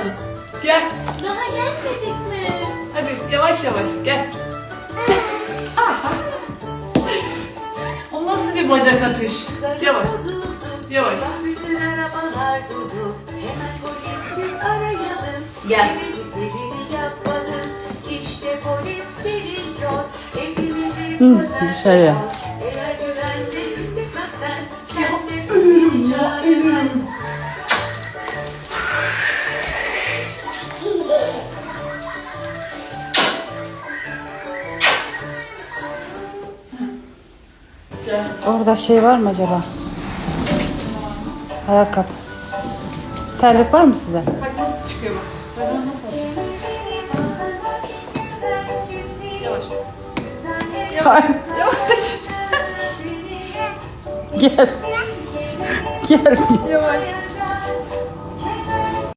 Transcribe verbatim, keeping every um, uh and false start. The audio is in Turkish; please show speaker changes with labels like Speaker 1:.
Speaker 1: bakalım. Gel.
Speaker 2: Daha gelmedik mi?
Speaker 1: Hadi yavaş yavaş gel. O nasıl bir bacak atış? Yavaş. Yavaş.
Speaker 3: Bütün arabalar durdu. Hemen polisi arayalım.
Speaker 2: Gel.
Speaker 3: Dediklerini yapalım. İşte polis geliyor. Hepimizi
Speaker 4: Hı, dışarıya.
Speaker 3: Eğer güvende hissetmezsen
Speaker 1: Ya ölürüm ya ölürüm. Gel.
Speaker 4: Orada şey var mı acaba? Ayakkabı. Terlik var mı size?
Speaker 1: Bak nasıl çıkıyor bak. Bacağını nasıl atıyor? Yavaş.
Speaker 4: Ay,
Speaker 1: Yavaş.
Speaker 4: gel. Gel.
Speaker 1: Yavaş.